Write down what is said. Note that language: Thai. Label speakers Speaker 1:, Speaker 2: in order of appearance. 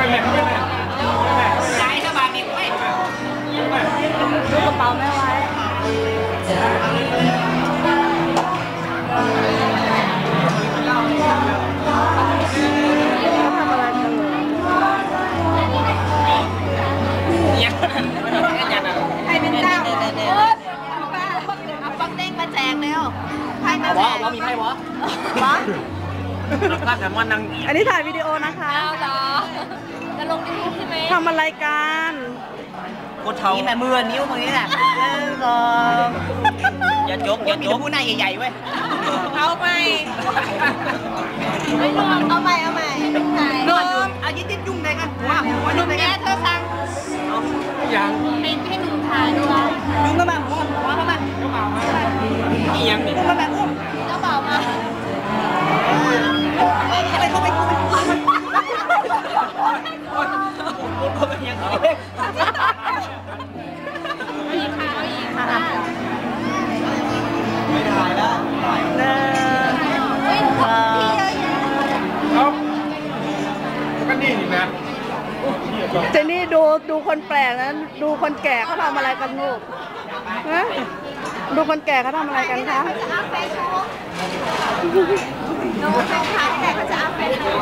Speaker 1: ย้ายเข้ามาดิเว้ย
Speaker 2: ดูกระเป๋าแม่ไว้ทำอะไรกันเหรอ
Speaker 1: ยังให้เป็นเจ้าเอาป๊อกเด้งมาแจกเร็วไพ่มาแจกว่ามีไพ่วะ
Speaker 2: วะ
Speaker 1: ก็แต่ว่านั่ง
Speaker 2: อันนี้ถ่ายวิดีโอนะคะ
Speaker 3: เอาเหรอจะลงยูทูบใช่ไหม
Speaker 2: ทำอะไรกัน
Speaker 1: โคตรเท่านี่แหละมือนิ้วมือนี่แหละอย่าจกผู้หน้าใหญ่ๆเว้ย
Speaker 3: เอาไปไม่ลองเอาใหม่
Speaker 1: นอนเอายิ้มยุ่งเลยกันหัวยุ่งเลย
Speaker 3: แม่
Speaker 1: กัน
Speaker 3: เธอสั่ง
Speaker 1: ยัง
Speaker 3: ให้หนูถ่ายด้วย
Speaker 1: ยุ่งก็มาหัวก็มาอียังนี่ก็แบบอุ้ม
Speaker 3: เจ้าบ่าวมา
Speaker 1: อะไรเข้าไปเข้าไปยัง
Speaker 3: เอาอีกค่ะ
Speaker 1: ไม่ได้แล้ว
Speaker 2: เดิน
Speaker 3: อุ้ยพี่เยอะแยะ
Speaker 4: ก็นี่นี่นะ
Speaker 2: เจนนี่ดูคนแปลกนะดูคนแก่เขาทำอะไรกันลูกฮะดูคนแก่เขาทำอะไรกันคะ
Speaker 3: จะอัพเฟซบุ๊กหนูเป็นค้าแต่เขาจะอัพเฟซบุ๊ก